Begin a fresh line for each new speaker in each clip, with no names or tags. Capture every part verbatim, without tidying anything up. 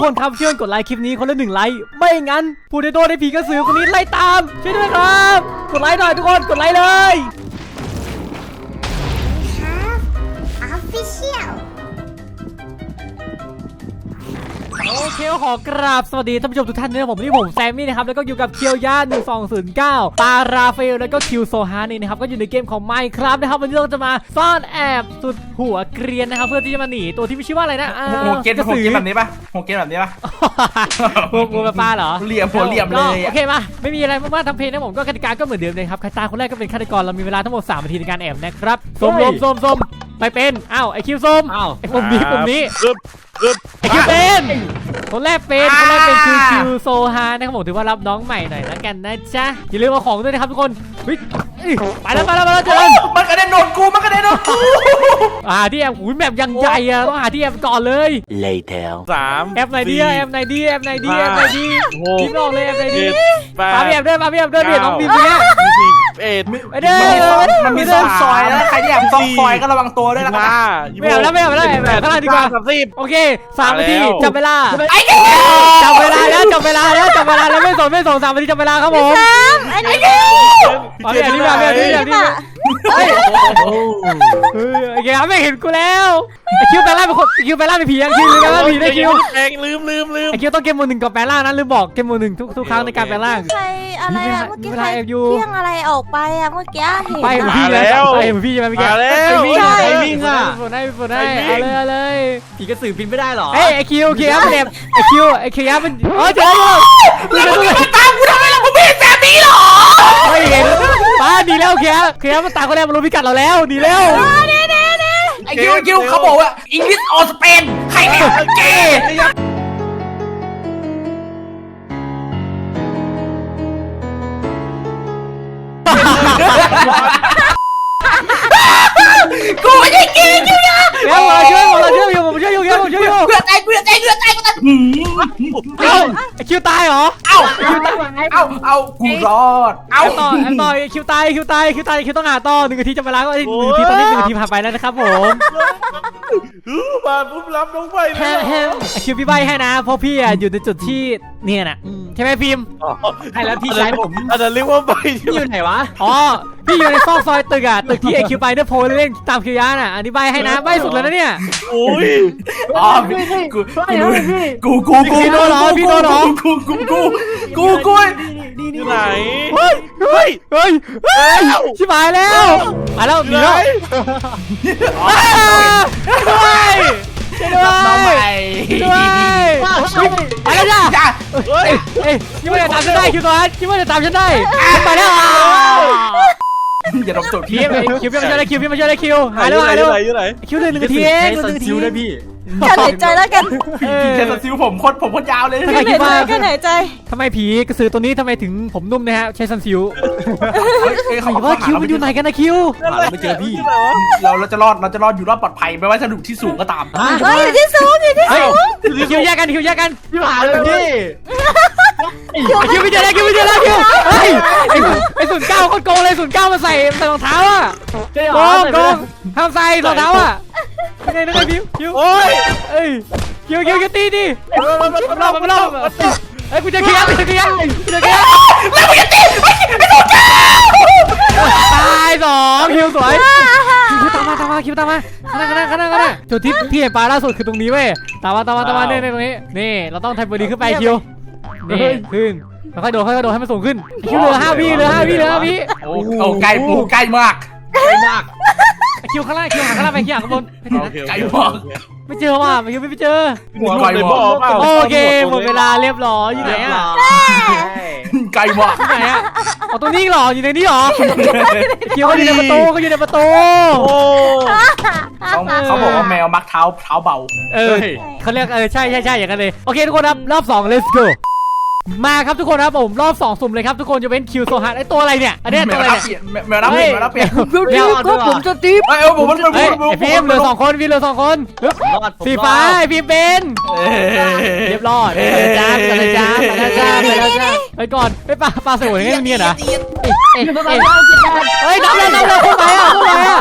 คนครับช่วยกดไลค์คลิปนี้คนละหนึ่งไลค์ไม่งั้นผู้ใดโดนไอ้ผีกระสือคนนี้ไล่ตามช่วยด้วยครับกดไลค์หน่อยทุกคนกดไลค์เลยโอเคขอกราบสวัสดีท่านผู้ชมทุกท่านนะครับผมนี่ผมแซมมี่นะครับแล้วก็อยู่กับเคียวย่าหนึ่งสองศูนย์เก้าปาราเฟลแล้วก็คิวโซฮานี่นะครับก็อยู่ในเกมของ Minecraft นะครับวันนี้เราจะมาซ่อนแอบสุดหัวเกรียนนะครับเพื่อที่จะมาหนีตัวที่ไม่ชื่อว่าอะไรนะ
หัวเกนหัวเกนแบบนี้ปะหัวเกนแบบนี้ปะ
พวกพวกป้าเหรอ
เหลี่ยมหัวเหลี่ยมเลย
โอเคมาไม่มีอะไรมากๆทำเพลงนะผมก็กติกาก็เหมือนเดิมเลยครับใครตายคนแรกก็เป็นฆาตกรเรามีเวลาทั้งหมดสามนาทีในการแอบนะครับส้มลมส้มส้มไปเป็นอ้าวไอคิวส้มไอปุ่มนี้ปุ่มนี้ไอคิวเป็นคนแรกเป็นคนแรกเป็นคิวคิวโซฮานะครับผมถือว่ารับน้องใหม่หน่อยแล้วกันนะจ๊ะอย่าลืมเอาของด้วยนะครับทุกคนไปแล้วไปแล้วไปแล้วเจอ
มันกระเด็นโดนกูมันกระเด็นโดนกู
อ่าที่แอบหูแบบยังใหญ่อะต้องหาที่แอบก่อนเลย
later
สาม
แอบไหนดีแอบไหนดีแอบไหนดีแอบไหนดีพี่บอกเลยแอบไหนดีมาพี่แอบด้วยมาพี่แอบด้วยเดี๋ยวน้องบีมเนี่ย
เอ็ด
ไปเด้อ
มันมีซอกซอยแล้วใครที่แอบซอกซอยก็ระวังตัวด้วยนะครับ
ไม่เอาแล้วไม่เอาแล้วแบบข้างล่างดีกว่าโอเคสามนาทีจับเวลาจับเวลาแล้วจับเวลาแล้วจับเวลาแล้วไม่สนไม่สนสามนาทีจับเวลาครับผม
ไอ้นี่
เอาแบบนี้แบบนี้แบบนี้เฮ้ยโอเคครับไม่เห็นกูแล้วไอคิวแปลงร่างเป็นคนคิวแปลงร่างเป็นผียังคิวแปลงร่างผีได้คิว
แปลงลืมลืมลืม
ไอคิวต้องเกมโหมดหนึ่งกับแปลงร่างนั้นลืมบอกเกมโหมดหนึ่งทุกทุกครั้งในการแปลงร่าง
ใครอะไรอะเมื่อกี้ใครเที่ยงอะไรออกไปอะเมื่อกี้เห็น
ไปพี่แล้วไปพี่ใช่ไหมเมื่อกี้
แล้ว
วิ่งไอวิ่งอะฝนได้ฝนได้เอาเลยเอาเลย
ผีกระสือบินไม่ได้หรอ
เอ้ไอคิวคิวมันเด็บไอคิวไอคิวมันเออเจอแล้ว
มึงมาตามกูทำไมล่ะมึงไม่เห็นแบบนี้หรอ
ไม่เห็นป้าดีแล้วคิวคิวมันตามคนแรกมันรู้พิกัดเราแล้วดีแล้ว
ไอคิวคิวเขาบอกว่าอังกฤษออสเปนใครเนี่ยเก๋กูไม่ได้กินคิวยา
เดี๋ยวมาช่วยมาช่วยอยู่ผมช่วยอยู่ผมช่วยอยู่
เพื่อใจเพื่อใจเพื่อใจกูตาย
เอ้าไอคิวตายเหรอ
เอ้าเอ้าเอ้ากูรอด
เอ้าต่อต่อคิวตายคิวตายคิวตายคิวต้องหาต่อหนึ่งนาทีจะเวลาก็หนึ่งนาทีตอนนี้หนึ่งนาทีผ่านไปแล้วนะครับผม
มาปุ๊บรับน้องไป
แฮมแฮมไอคิวพี่ใบให้นะเพราะพี่อ่ะอยู่ในจุดที่เนี่ยน่ะใช่ไหมพิมพ์
ให้แล้วพี่ชายผม
อาจจะเรียกว่าใบ
อยู่ไหนวะ
อ๋อพี่อยู่ในซอกซอยตึกอ่ะตึกที่ไอคิวไปเนี่ยโพลเล่นตามคิวยาน่ะอธิบายให้นะใบสุดแล้วนะเนี่ย
โอ้ย
อ๋อกูกูกูกู
พี่โดนหรอพี่โดนหรอ
กูกูกูกูกู
นี่นี่ไหน
เฮ้ยเฮ้ยเฮ้ยเฮ้ยชิบหายแล้วมาแล้วมีแล้วด้วยด้วยด้วยไปแล้วจ้าเฮ้ยคิดว่าจะตามฉันได้คิวตัวนั้นคิดว่าจะตามฉันได้ไปแล้ว
อย่าดมจด
พี่คิวพี่มาช่วยได้คิวพี่มาช่วยได้คิวหายแล้วหายแล้วคิวเลยหนึ่งนาทีเองหนึ่งนาที
ได้พี่
กันหายใจแล้วกัน
พี่เชนซิวผมโคตรผมโคตรยาวเลย
กันหายใจกันหายใจ
ทำไมผีกระสือตัวนี้ทำไมถึงผมนุ่มนะฮะใช้ซันซิว
เขา
ว่าคิวมันอยู่ไหนกันนะคิว
ไม่เจอพี่
เราเราจะรอดเราจะรอดอยู่รอดปลอดภัยไม่ว่าจะอยู่ที่สูงก็ตาม
เฮ้ยอยู่ที่สูงอยู่ที่สูง
คิวแยกกันคิวแยกกัน
พี่หาเลยพี่
คิวไม่เจอแล้วคิวไม่เจอแล้วคิวเฮ้ยไอ้ศูนย์เก้าคนโกงเลยศูนย์เก้ามาใส่ใส่รองเท้าอ่ะโกงโกงทำใส่รองเท้าอ่ะนี่นี่คิวคิวโอ้ยเอ้ยคิวคิวคิวตีดิมันมันมันมันมันเอ้ยกูจะเคียร์กูจะเคียร์กูจะเคียร์
แล้วมึงจะตีไอ้ตัวเจ้า
ตายสองคิวสวยคิวตามมาตามมาคิวตามมาข้างหน้าข้างหน้าข้างหน้าข้างหน้าจุดที่ที่เห็นปลาล่าสุดคือตรงนี้เว้ยตามมาตามมาตามมาเนี่ยตรงนี้นี่เราต้องทำบอดี้ขึ้นไปคิวนี่ขึ้นค่อยๆโดดค่อยๆโดดให้มันสูงขึ้นคิวเหลือห้าวิเหลือห้าวิเหลือห้าวิ
โอ้ใกล้ปูใกล้มาก
ใกล้มาก
คิวข้างล่างคิวข้างล่างไปคิวข้างบน
ไกลมาก
ไม่เจอว่ะคิวไม่เจอ
ไกลมาก
โอเคหมดเวลาเรียบร้อยอยู่ไหนอ่ะ
ไกลมาก
ที่ไหนอ่ะอ๋อตรงนี้หรออยู่ในนี้หรอคิวเขาอยู่ในประตูเขาอยู่ในประตู
เขาบอกว่าแมวมักเท้าเท้าเบา
เออเขาเรียกเออใช่ใช่ใช่อย่างนั้นเลยโอเคทุกคนครับรอบสอง let's go มาครับทุกคนครับผมรอบสองสุ่มเลยครับทุกคนจะเป็นคิวโซฮาร์ไอตัวอะไรเนี่ยอันนี้ตัวอะไรเนี่ย
แมวรับเปลี่ยนแมวรับเปลี่ยน
แมวก็ผมจะตี
ไอ้เออผมมันเป็น
ไอ้พิมเหลือสองคนพิมเหลือสองคนสีฟ้าไอ้พิมเป็นเรียบร้อยไปจ้าไปจ้าไปจ้าไปจ้าไปก่อนไปปลาปลาสวยอย่างนี้เหรอเฮ้ยน้ำเลยน้ำเลยเข้าไปอ่ะเข้าไปอ่ะ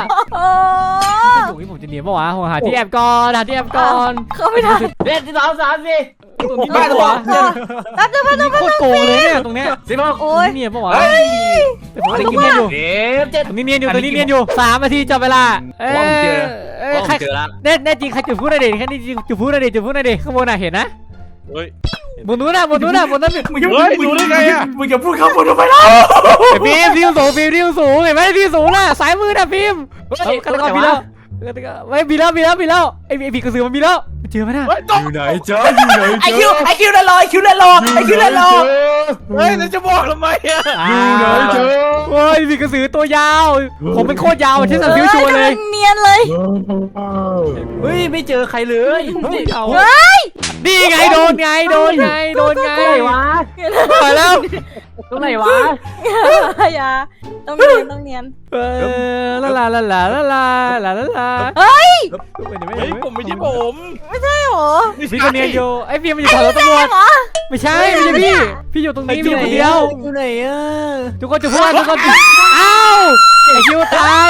โอ้ยผมจะหนีป่าววะผมหาที่แอบก่อนหาที่แอบก่อน
เข้าไม่ได้
เด็ดที่สองสามสี่
ตรงนี้บ้านวะ
แป๊บเดียวแป๊บเดียว
โคตรโกงเลยเนี่ยตรงเนี้ย
สิบอก
โอ้ย
เนี่ยปะวะแต่ผมอะไรกินเนียนอยู่
เจ็บเจ็บ
ตรงนี้เนียนอยู่ตรงนี้เนียนอยู่สามนาทีจับเวลาเอ้ย
ว่าผมเจอ
เอ้ย
ว่าผ
ใคร
มเจอแล้ว
แน่แน่จริงใครจุดพูดหน่อยดิแค่นี้จริงจุดพูดหน่อยดิจุดพูดหน่อยดิข้างบนน่ะเห็นนะ
เฮ้ย
บนนู้นน่ะบนนู้นน่ะบนนั้น
มึงจะ
เฮ้ยดูได้ไงอะ
มึงจะพูดคำพูดทำไมล่ะ
ไอ้พิมพ์พิมพ์สูงพิมพ์พิมพ์สูงเห็นไหมพิมพ์สูงน่ะสายมือน่ะพิมพ์เฮ้ยกันก่อนมีแล้วไม่มีแล้วมีแล้วมีแล้วไอ้ไอ้ผีกระสือมันมีแล้วเจอไหมน่ะ
เฮ้ยตก
อยู่ไหนจ๊ะอยู่ไหน
ไอคิวไอคิวนั่นรอไอคิวนั่นรอไอคิวนั่นรอ
เฮ้ยแล้วจะบอกทำไมอะ
อยู่ไหนจ๊ะ
โอ้ยผีกระสือตัวยาว ผมเป็นโคตรยาวที่สันฟิวชัวร์เลย
เนียนเลย
เฮ้ยไม่เจอใครเลย
เอา
เฮ้ย
นี่ไงโดนไงโดนไงโดนไง
ตรงไหนวะ
ไปแล้ว
ตรงไหนวะ
อย่าต้องเนียนต้องเนียน
เออลาลาลาลาลาลาลาลาลา
เฮ้ย
เฮ้ยผมไม่ใช่ผม
ไม่ใช่หรอ
พี่คนเนียนอยู่ไอ้พี่มันอยู่แถวรถตำรวจ
เหรอ
ไม่ใช่ไม่ใช่พี่พี่อยู่ตรงนี้พี่อยู่คนเดียว
อยู่ไหนอ่ะ
ทุกคนจะพูดทุกคนอ้าวไอคิวตาย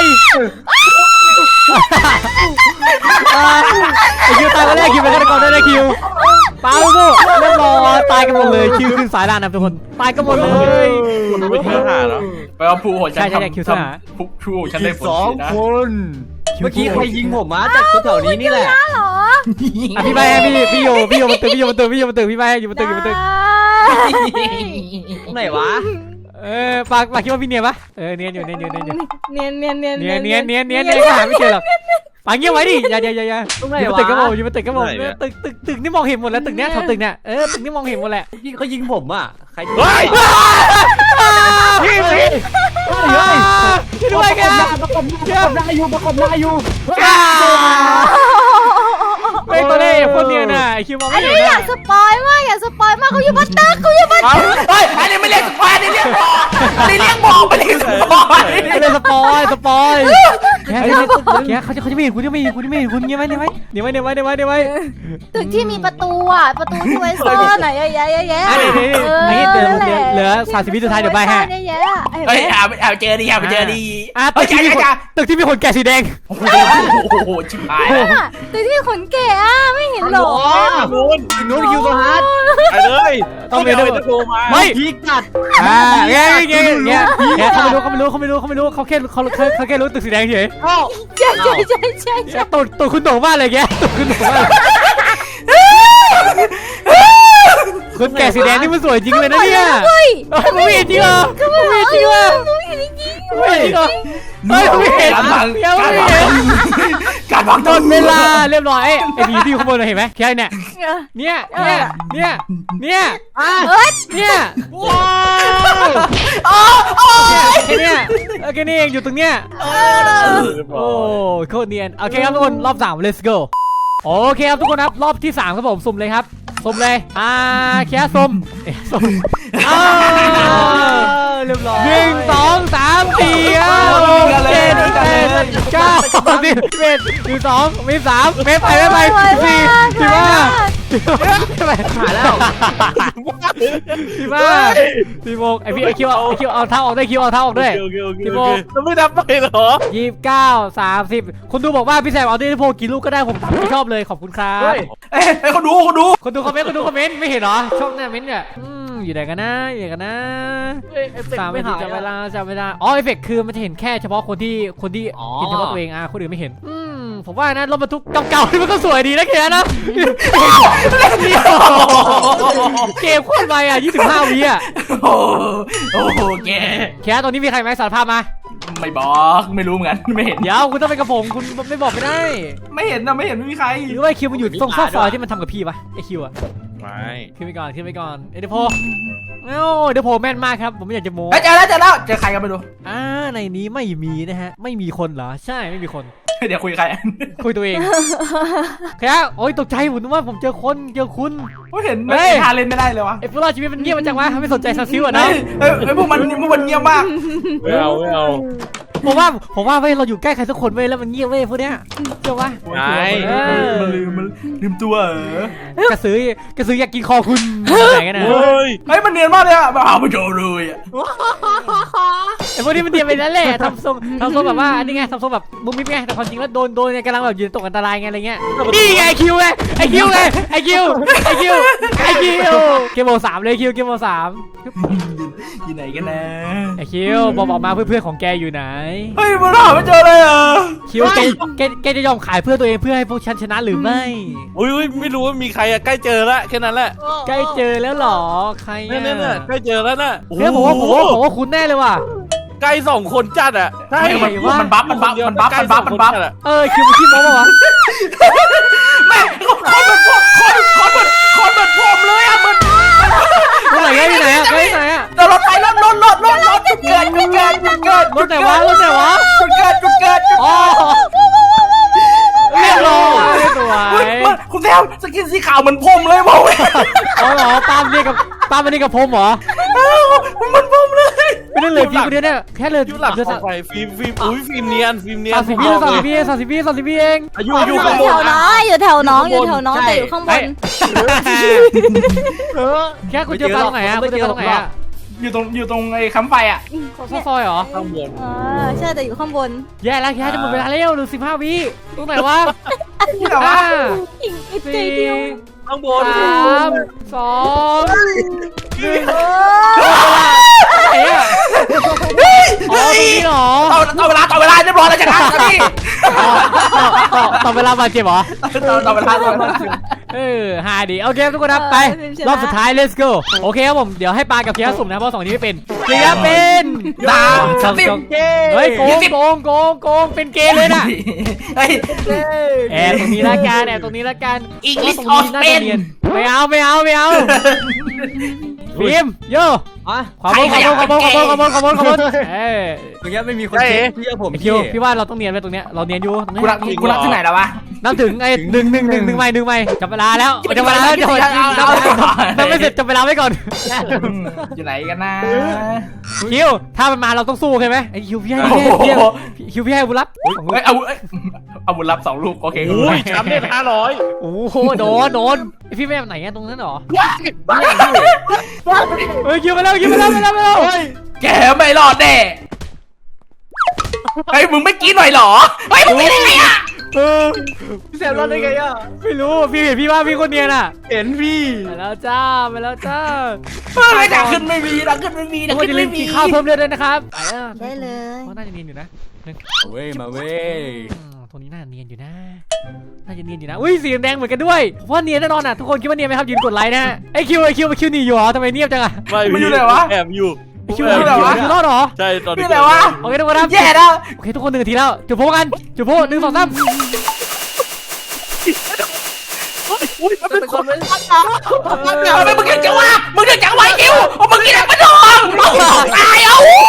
ไอคิวตายก็แรกคิวเป็นฆาตกรได้ได้คิวเปล่าลูกเรียบร้อยตายกันหมดเลยคิวขึ้นสายด่านนะทุกคนตายกันหมดเลย
คุณไม่เชื่อหาแล้ว
ไปเอาผู้หัวฉัน
ใช่ใช่ใช่คิวซ่า
ผู้ผู้หัวฉันได้ผล
สอง
นะ
คนเมื่อกี้ใครยิงผมมาจากแถวนี้นี่แหละ
เหรอ
อ่ะพี่ใบให้พี่พี่โยพี่โยมันตึกพี่โยมันตึกพี่โยมันตึกพี่ใบอยู่มันตึกอยู่มันตึก
ตรงไหนวะ
เออปากปากคิดว่าพี่เนียนปะเออเนียนอยู่เนียนอยู่เนียนอยู่
เนียนเนียนเนียน
เนียนเนียนเนียนเนียนเนียนก็หาไม่เจอหรอกปากเงียบไว้ดิอย่าอย่าอย่าอย่า
ตรงไหน
อยู่บน
วะ
ตึกก็บอกอยู่บนตึกก็บอกตึกตึกตึกนี่มองเห็นหมดแล้วตึกเนี้ยแถวตึกเนี้ยเออตึกนี่มองเห็นหมดแหละ
พี่เขายิงผมอ่ะใคร
เฮ้ย
พี่พี่ช่วยด้วยกัน
ประกบหน้าประกบหน้าอยู่ประกบหน้าอยู่
ไม่ตัวเล่ห์คนเนียนน่ะไอคิวมอง
อั
ไม่
น
เห็
นี้
น
อยา
อ่ะ
กสปอยมากอยากสปอยมากเขาอยู่บนตึกเขาอยู่บนตึก
เฮ้ยอันนี้ไม่เรียกสปอยอันนี้เรียกบอกอันนี้เรียกบอกไม่เรียกสปอย
ไม่ได้สปอยสปอยแค่แค่เขาจะเขาจะไม่เห็นคุณจะไม่เห็นคุณจะไม่เห็นคุณเงี้ยไหมเงี้ยไหมเดี๋ยวไว้เดี๋ยวไว้เดี๋ยวไว้เดี๋ยวไว้
ตึกที่มีประตูอ่ะประตูที่ไว้ซ่อนไหนเยอะแยะเยอะแยะ
อันนี้นี่เดี๋ยวเหลือสามสิบวิสุดท้ายเดี๋ยวใบให้
เยอะแยะ
เฮ้ยเอาเอาเจอดีเอาเจอดี
อ่ะ
เฮ้
ตึ
ย
กที่มี
จ้า
คนตึกที่มีคนแก่สีแดง
โอ้โหชิบหาย
ตึกที่ขนแก่อ่ะไม่เห็นหรอ
นู้น
นู้นคิวตัวฮาร์ด
ไปเลย
ต้องเรียน
เอา
ด้วย
ไปโทรมา
ไม่
พีกัด
อ่าเงี้ยเงี้ยเงี้ยเงี้ยเขาไม่รู้เขาไม่รู้เขาไม่รู้เขาไม่รู้เขาแค่เขาเขาแค่รู้ตึกสีแดงเฉย
ใช่ใช่ใช่ใช่ใช่
ตัวตัวคุณโด่งมากเลยแกตัวคุณโด่งมากคนแก่สีแดงนี่มันสวยจริงเลยนะเนี่ย
เฮ้ย
ไม่เห็นจริงเหรอไม่เห็นจริงเหรอ
ไม่เห็นจริง
ไม่เห็นจริงเหรอไม่เห็น
การบัง
ยัง
การ
ไม่
บัง
เห็น
การบัง
หมดเวลาเรียบร้อยไอ้ไอ้ผีที่อยู่ข้างบนเราเห็นไหมแค่เนี่ยเนี่ยเนี่ยเนี่ยเนี่ยเนี่ยว้าวแค่เนี่ยแค่นี้เองอยู่ตรงเนี้ยโอ้โคตรเนียนโอเคครับทุกคนรอบสาม let's go โอเคครับทุกคนครับรอบที่สามครับผมสุ่มเลยครับสุ่มเลยอ่าแค่สุ่มเอ๊ะสุ่มอ้าวเรียบร้อยหนึ่งสองสามสี่ห้าหกเจ็ดแปดเก้าสิบเอ็ดหนึ่งสองมีสามเมไปไม่ไปสี่สิบห้าสิบห้า
หายแล้ว
สิบห้าสิบหกไอพี่ไอคิวเอาไอคิวเอาเท้าออกได้คิวเอาเท้าออกด้วย
โอเคโอเคโอเคแล้วไม่ทำไปเหรอ
ยี่สิบเก้าสามสิบคนดูบอกว่าพี่แซมเอาด้วยโพกี่ลูกก็ได้ผมไม่ชอบเลยขอบคุณครับ
เอ้ยเขาดูเขาดู
คนดูคอมเมนต์คนดูคอมเมนต์ไม่เห็นเหรอชอบหน้าเม้นต์เนี่ยอืมอยู่ไหนกันนะอยู่ไหนกันนะสามนาทีจับเวลาจับเวลาอ๋อเอฟเฟกต์คือมันจะเห็นแค่เฉพาะคนที่คนที่เห็นเฉพาะตัวเองอ่ะคนอื่นไม่เห็นอืมผมว่านะรถบรรทุกเก่าๆนี่มันก็สวยดีนะแกนะเกมโคตรไวอ่ะยี่สิบห้าวิอ่ะ
โอ้โอ้โหแก
แค่ตอนนี้มีใครไหมสารภาพมา
ไม่บอกไม่รู้เหมือนกันไม่เห็น
เดี๋ยวคุณต้องไปกับผมคุณไม่บอกไม่ได้
ไม่เห็นนะไม่เห็นไม่มีใคร
หรือว่าไอคิวมันอยู่ตรงซอกซอยที่มันทำกับพี่ปะไอคิวอะ
ไม่
ขึ้นไปก่อนขึ้นไปก่อนเอเดโพเอ้าเดโพแม่นมากครับผมไม่อยากจะโม้
เจอแล้วเจอแล้วเจอใครกันไปดู
อ่าในนี้ไม่มีนะฮะไม่มีคนเหรอใช่ไม่มีคน
เดี๋ยวคุยใคร
คุยตัวเองแค่โอ้ยตกใจผมนึกว่าผมเจอคนเจอคุณ
ก็เห็นไม่ทาเล่นไม่ได้เลยวะ
ไอ้พวกเราชีวิตมันเงียบมาจังวะไม่สนใจซาซิวอะนะ
เฮ้ยพวกมันพวกมันเงียบมาก
ไม่เอาไม่เอา
ผมว่าผมว่าเว้ยเราอยู่ใกล้ใครสักคนเว้ยแล้วมันเงียบเว้ยพวกเนี้ยเชื่อปะ
ใช่
มันลืมมันลืมตัวเหรอก
ระสือกระสืออยากกินคอคุณไหนกันนะ
เฮ้ย
เฮ้ยมันเนียนมากเลยอะมาเอาไปโชว์เลยอะ
ไอ้พวกนี้มันเตรียมไปนั่นแหละทำทรงทำทรงแบบว่าอันนี้ไงทำทรงแบบมุมมิบไงแต่ความจริงแล้วโดนโดนไงกำลังแบบยืนตกอันตรายไงอะไรเงี้ยนี่ไงไอคิวไงไอคิวไงไอคิวไอคิวไอคิวเกมโมสามเลยคิวเกมโมสาม
อยู่ไหนกันนะ
ไอคิวบอกบอกมาเพื่อนๆของแกอยู่ไหน
เฮ้ยมันหาไม่เจอเลยอ่ะ
คิวแกแกแกจะยอมขายเพื่อตัวเองเพื่อให้พวกฉันชนะหรือไม่
อุ้ยไม่รู้ว่ามีใครอะใกล้เจอแล้วแค่นั้นแหละ
ใกล้เจอแล้วหรอใคร
เนี่ย
อ่ะ
เนี่ยใกล้เจอแล้วน่ะ
เฮ้ยผมว่าผมว่าผมว่าคุณแน่เลยว่ะ
ใกล้สองคนจัดอะใช่
มันมันบัฟมันบัฟมันบัฟมันบัฟมันบัฟ
เออคิวมันขี้โม้ป่าวะ
แม่คนเหมือนพวกคนคนเหมือนคนเหมือนผมเลยอ่ะมัน
รถไหนอะที่ไหนอะไปที่ไหนอะ
แต่รถไฟรถรถรถรถรถจุดเกิดจุดเกิดจุดเกิด
รถไหนวะรถไหนวะ
จุดเกิดจุดเกิดจุด
อ๋อ
เกิด
เรียบร้อยสว
เฮ้ย
ย
มันคุณแซวสกินสีขาวเหมือนผมเลยบอกเลย
อ๋อเหรอปาล์มเนี่ยกับปาล์มอันนี้กับผมเหรอ
เหมือนผมเลย
ไม่ได้เลยพี่คนเดียวเนี่ยแค่เลย
ยูหลัก
เดือน
ข
สา
องใครฟิล์มฟิล์มอุ้ยฟิล์มเนียนฟิล์มเนียน
มสิบวิสามสิบวิสามสิบวิสามสิบวิเอง
อายุ
อ
อายุ
ยู่
ข้างบ
แถ
น
วน้องอยู่แถวน้องอยู่แถวน้องแต่อยู่ข้างบน
แค่คุณเจอปลาตรงไหนอะคุณเจอปลาตรงไหนอะ
อยู่ตรงอยู่ตรงไอ้คำไฟอ่ะ
ซอยซอยเหรอ
ข้างบน
เออใช่แต่อยู่ข้างบน
แย่แล้วแค่จะหมดเวลาแล้วหรือสิบห้าวิตรงไหนวะ
นี่เหรอวะ
ห้า
อีกอีกใจ
สี่
เดียว
ข้างบน
สามสองหนึ่งไหนอะอ๋อตรงนี้เหรอ
ต่อต่อเวลาต่อเวลาเรียบร้อยแล้วชนะพี่
ต่อต่อต่อเวลาบาดเจ็บเหรอ
ต่อต่อเวลาต่อเวลา
เออฮาดีโอเคทุกคนครับไปรอบสุดท้าย let's go โอเคครับผมเดี๋ยวให้ปากับเคียร์สุ่มนะเพราะสองนี้ไม่เป็นเคียร์เป็น
ดาว
สอง
สิบ
สองเฮ้ยโกงโกงโกงโกงเป็นเกย์เลยนะ
เฮ้ย
แอบตรงนี้ละกันแอบตรงนี้ละกัน
English
ตรงนี้น่าจะ
or Spain
เนียนไม่เอาไม่เอาไม่เอาฟิล์มโย่
อ่ะ
ขอบคุณขอบคุณขอบคุณขอบคุณขอบคุณขอบคุณเอ้ย
ตรงนี้ไม่มีคนเช็คเชื่อผม
ไอคิวพี่ว่าเราต้องเนียนไปตรงเนี้ยเราเนียนอยู่ตรงนี้
กูรักกูรักที่ไหนแล้ววะ
นับถึงไอ้หนึ่งหนึ่งหนึ่งหนึ่งไม่หนึ่งไม่จับเวลาแล้วจับเวลาแล้วจับเวลานับไม่เสร็จจับเวลาไว้ก่อน
อยู่ไหนกันนะ
คิวถ้ามันมาเราต้องสู้ใช่ไหมไอ้คิวพี่ให้พี่คิวพี่ให้บุญรับ
เฮ้ยเอาเอาบุญรับสองลูกโอเค
โอ้ยแชมป์เนี่ยห้าร้อย
โอ้โหโดนโดนพี่ไม่แบบไหนตรงนั้นหรอเฮ้ยคิวไปแล้วคิวไปแล้วไปแล้วไปแล้ว
แกไม่รอดแน่เฮ้ยมึงไม่กินหน่อยหรอเฮ้ยมึงไม่ได้ไงอ่ะ
เออ
พี่แซมรอดได้ไงอ่ะ
ไม่รู้พี่เห็นพี่ว่าพี่คนเนียนอ่ะ
เห็นพี่
ไปแล้วจ้าไปแล้วจ้า
เฮ้ยดักขึ้นไม่มีดักขึ้นไม่มีดั
ทุ
ก
กคน
ขึ้น
จะลื
ไม่
ม
มี
กินข้าวเพิ่มเลือดด้วยนะครับไปแล้ว
ได้เลย
เพราะน่าจะเนียนอยู่นะหนึ่ง
เว้ยมาเว้ย
ตรงนี้น่าเนียนอยู่นะน่าจะเนียนอยู่นะอุ้ยสีแดงเหมือนกันด้วยเพราะเนียนแน่นอนอ่ะทุกคนคิดว่าเนียนไหมครับยืนกดไลค์นะไอคิวไอคิวไอคิวหนีอยู่เหรอทำไมเนียบจังอ่ะ
ไม่แอบอยู่
ไอคิวหนีอยู่คิวรอดเหรอ
ใช่ตอนนี้
นี่แหละวะ
โอเคทุกคนครับ
แย่แล้ว
โอเคทุกคนหนึ่งนาทีแล้วจุดโพกันจุดโพหนึ่งสองสาม
อุ้ยเป็นคนเลย
เอาไปมึงยังจะว่ามึงยังจะไว้คิวเอามึงกินอะไรมาดองเอาตายเอา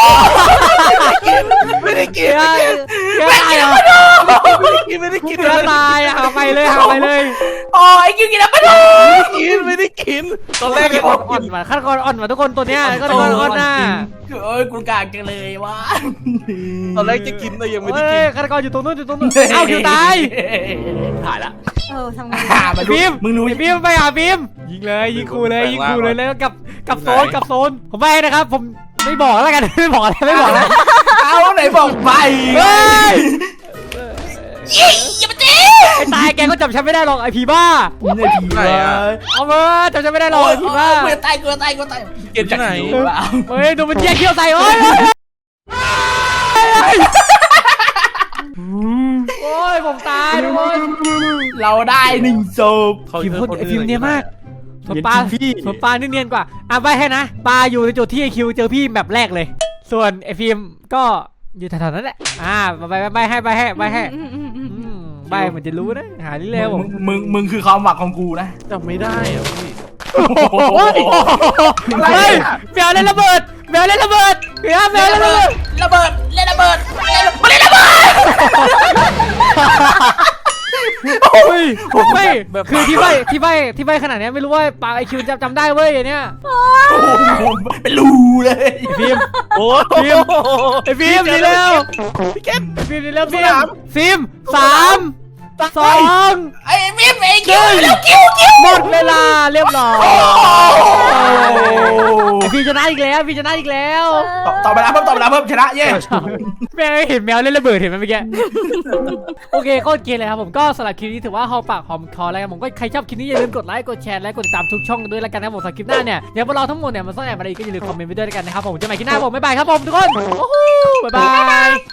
ไม่ได้กิน
เฮ้ยเฮ้ยตายเหรอ
ไม่ได้กินไม่ได้กิน
เฮ้ยตายหาไปเลยหาไปเลย
โอ้ยคิวกินอะไรมาดอง
กินไม่ได้กินตอนแรก
อ่อนอ่อนมาขั้นกรอ่อนมาทุกคนตัวเนี้ยก็ตัวอ่อนหน้า
เอ้ยกูกากจังเลยวะ
ตอนแรกจะกินแต่ยังไม่ได้
เฮ้
กิ
ย
น
ขั้นกรอยู่ตรงนู้นอยู่ตรงนู้นเอ้าคิวตาย
ถ่ายละ
เออทำไง
หามาดู
บีม
มึงรู้
บีมไปหาบีมยิงเลยยิงคูเลยยิงคูเลยแล้วกับกับโซนกับโซนผมไปนะครับผมไม่บอกแล้วกัน ไม่บอกแล้วไม่บอกแล้ว
เอาไหนบอกไป
เฮ้ย
ยี่อย่ามาตี
ไอ้ตายแกก็จับฉันไม่ได้หรอกไอ้ผีบ้า
เนี่ยผีวะ
เอามาจับฉันไม่ได้หรอกไอ้ผีบ้า
กูจะตายกูจะตายกูจะตาย
เก็บที่ไหน
เฮ้ยดูมันแยกเขี้ยวใส่โอ้ยโอ้ยผมตายทุกคน
เราได้หนึ่งศพ
พิมพ์คนพิมพ์เนียนมากส่วนปลาส่วนปลานี่เนียนกว่าอ่ะใบให้นะปลาอยู่ในจุดที่ไอคิวเจอพี่แบบแรกเลย ส่วนไอฟิล์มก็อยู่แถวๆนั้นแหละอ่าใบใบให้ใบให้ใบให้ใบเหมือนจะรู้นะหาที่เร็ว
มึงมึงมึงคือความหวังของกูนะ
จำไม่ได้อะพี่
เฮ้ยแมวเล่นระเบิดแมวเล่นระเบิดเฮ้ยแมวเล่นระเบิด
ระเบิดเล่นระเบิดมาเล่นระเบิด
เฮ้ยไม่คือที่ใบที่ใบที่ใบขนาดนี้ไม่รู้ว่าปากไอคิวจำจำได้เว้ยอันเนี้ย
เป็นรูเลย
ฟิล์ม
โอ้
ฟิล์มไอฟิล์มดีแล้ว
พี่แก๊ป
ฟิล์มดีแล้วฟิล์มฟิล์มสามสอง
ไอ้มิมไอ้คิวแล้วคิวคิว
หมดเวลาเรียบร้อยไอฟิล์มชนะอีกแล้วฟิล์มชนะอีกแล้ว
ต่อเวลาเพิ่มต่อเวลาเพิ่มชนะเย้
แม่เห็นแมวเล่นระเบิดเห็นไหมเมื่อกี้โอเคก็โอเคเลยครับผมก็สำหรับคลิปนี้ถือว่าหอมปากหอมคอแล้วกันผมก็ใครชอบคลิปนี้อย่าลืมกดไลค์กดแชร์และกดติดตามทุกช่องด้วยแล้วกันนะครับผมสำหรับคลิปหน้าเนี่ยเดี๋ยวพวกเราทั้งหมดเนี่ยมาซ่อนแอบอะไรก็อย่าลืมคอมเมนต์ไว้ด้วยแล้วกันนะครับผมจะมาคลิปหน้าผมบ๊ายบายครับผมทุกคนโอ้โหบ๊ายบาย